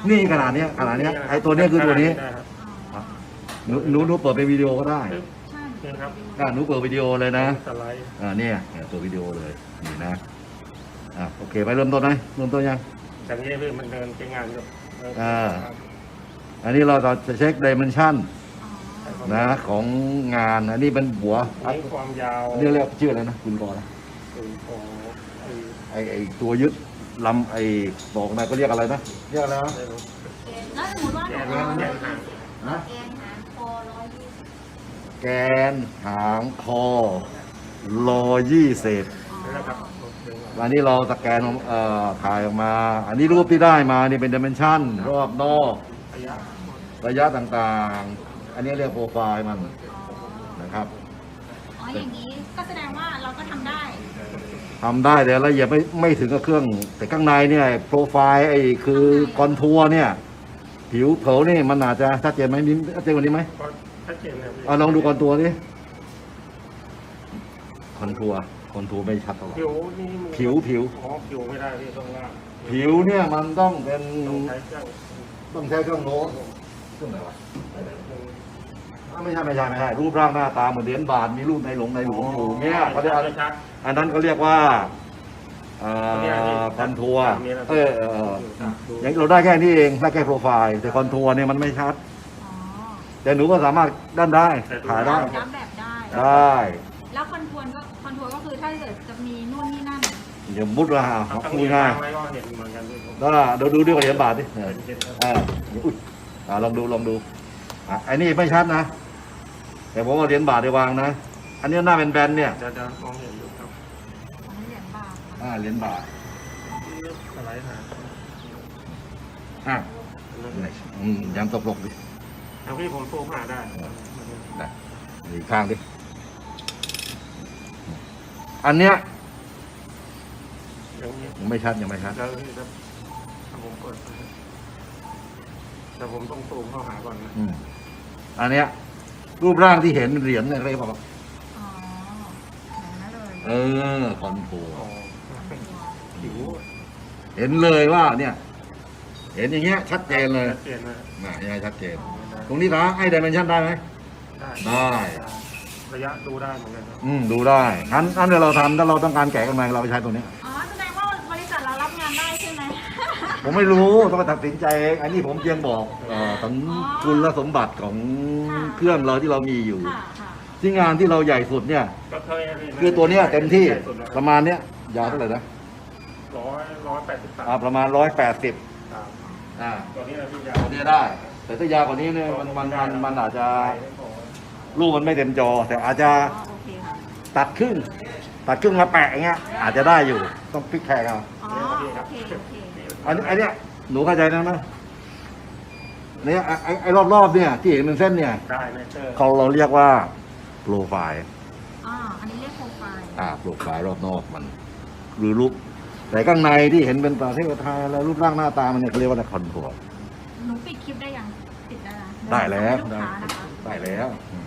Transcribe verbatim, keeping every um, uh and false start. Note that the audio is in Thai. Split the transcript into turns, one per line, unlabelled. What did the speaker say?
นี่ขนาดเนี้ยขนาดเนี้ยไอ้ตัวเนี้ยคือตัวนี้
ได้ครับ
อ๋อ
หนูหนูหนูเปิดเป็นวิดีโอก็ได้
ใช่
นี่ครับ
อ่าหนูเปิดวิดีโอเลยนะ
สไลด์
อ่าเนี่ยเนี่ยตัววิดีโอเลยนี่นะอ่าโอเคไปเริ่มต้นไหมเริ่มต้นยัง
จากนี้พี่มันเดินใช้งานอยู่
อ่า อันนี้เราจะเช็คดิเมนชัน
อ๋อ
นะของงานอันนี้เป็นหัว
อันนี้ความยาว
อันนี้เรียกชื่ออะไรนะคุณกอนะ
คือของไอ้
ไอไอตัวยึดลำไอบอกนะก็เรียกอะไรนะเรียกอะไรนะ
ไม่รู้
แล้วสมมติว่า
แก
หนู
น
เอา
แกนหาง
นะ
แกนหางคอร้อยยี่สิบ
แกนหางคอรอยี่สิบ
อ๋อ
นี่นะครับ
อันนี้เราสแกนเอ่อถ่ายออกมา อันนี้รูปที่ได้มานี่เป็นดิเมนชันรอบนอก
ระยะ
ระยะต่างๆ อันนี้เรียกโปรไฟล์มัน
อ๋อ
นะครับ
อ๋ออย่างนี้ก็แสดงว่าเราก็ทำได้
ทำได้แต่ละเอียดไม่ไม่ถึงกับเครื่อง แต่ข้างในเนี่ยโปรไฟล์ไอ้คือคอนทัวร์เนี่ย ผิวเผานี่มันอาจจะชัดเจนไหมมิ้นชัดเจนกว่านี้ไหม
ก็ชัดเจนเลยพี่
เอาลองดูคอนทัวร์ดิคอนทัวร์คอนทัวร์ไม่ชัดเท่าไหร่
ผิวนี่มัน
ผิวผิว
อ๋อผิวไม่ได้พี่ต้องล่าง
ผิวเนี่ยมันต้องเป็น
ต้องใช้เครื่อง
ต้องใช้เครื่องโน้ตเครื่องไหนวะอ้าวไม่ใช่ไม่ใช่ไม่ใช่รูปร่างหน้าตาเหมือนเหรียญบาทมีรูปในหลวงในหลวงอยู่เนี่ยเขาเรียกอะไร
ชัด
อันนั้นเขาเรียกว่าเอ่อคอนทัวร์เออเออเอออย่างเราได้แค่นี้เองได้แค่โปรไฟล์แต่คอนทัวร์เนี่ยมันไม่ชัด
อ๋อ
แต่หนูก็สามารถด้านได้ถ่ายได้
ย้ำแบบได้
ได้
แล้วคอนทัวร์ก็คอนทัวร์ก็คือถ้าเกิดจะมีนู่นนี่นั่น
เดี๋ยวมุดว่า
ๆต้อง
พู
มี
ดง่าย
ทางไว้ก็เห็นเหมือนกันพี่ผม
ก็เดี๋ยวดูด้วยเหรียญบาทดิเออ
เป็นเห็นครับ
อ่าอุ้ยอ่าลองดูลองดูอ่ะอันนี้ไม่ชัดนะ แต่ผมเอาเหรียญบาทไปวางนะ อันนี้หน้าเป็นแบนๆเนี่ย
จะจะมองเห็นอยู่ครับ
อันนี้เหรียญบาท
อ่าเหรียญบาท
สไลด์หา
อ่ะอืมยังตกลงดิ
เอาพี่ผมซูมหาได้
ได้อีกข้างดิอันเนี้ย
อย่างนี้
ยังไม่ชัดยังไม่ชัด
แล้วพี่ครับถ้าผมเปิดแต่ผมต้องซูมเข้าหาก่อนนะ
อืมอันเนี้ยรูปร่างที่เห็นเหรียญเนี่ยเรียกว่า
อ๋ออย่างนั้นเลย
เออคอนโทร
อ๋อผิว
เห็นเลยว่าเนี่ย เห็นอย่างเงี้ยชัดเจนเลย
ชัดเจนนะ
น่ะยังไงชัดเจน
อ๋อ
ตรงนี้นะไอ้ดิเมนชันได้ไหม
ได้
ได้
ระยะดูได้เหมือนกันครับ
อืมดูได้งั้นงั้นเดี๋ยวเราทำถ้าเราต้องการแกะกำไรเราไปใช้ตัวเนี้ย
อ๋อแสดงว่าบริษัทเรารับงานได้ใช่ไหม
ผมไม่รู้ต้องไปตัดสินใจเองอันนี้ผมเพียงบอกเอ่อถึงคุณสมบัติของเครื่องเราที่เรามีอยู่
ค่ะค่ะ
ที่งานที่เราใหญ่สุดเนี่ย
ก็เคยนะพี่
คือตัวเนี้ยเต็มที่
ใหญ่สุดแล้ว
ประมาณเนี้ยยาวเท่าไหร่นะ
ร้อยร้อยแปดสิบสาม
อ่าประมาณร้อยแปดสิบ
ครับ
อ่า
ตัวนี้นะพี่ยา
ตัวเนี้ยได้ แต่ถ้ายาวกว่านี้เนี่ยมันมันมันมันอาจจะรูปมันไม่เต็มจอ แต่อาจจะ
อ๋อโอเคค่ะ
ตัดครึ่งตัดครึ่งมาแปะอย่างเงี้ยอาจจะได้อยู่ต้องพลิกแพงเอา
อ๋อโอเคโอเค
อันนี้อันเนี้ยหนูเข้าใจนะนะเนี่ยไอ้ไอ้ไอ้รอบๆเนี่ยที่เห็นเป็นเส้นเนี่ย
ได้ไหมเจอ
เขาเราเรียกว่าโปรไฟล์
อ๋ออันนี้เรียกโปรไฟล์
อ่าโปรไฟล์รอบนอกมัน หรือรูปแต่ข้างในที่เห็นเป็นประเทศไทยแล้วรูปร่างหน้าตามันเนี่ยเขาเรียกว่าคอนทัวร์
หนูปิดคลิปได้ยังปิดได้แล้ว
ได้แล้ว
ส่งให้ลูกค้านะคะ
ได้แล้วอืม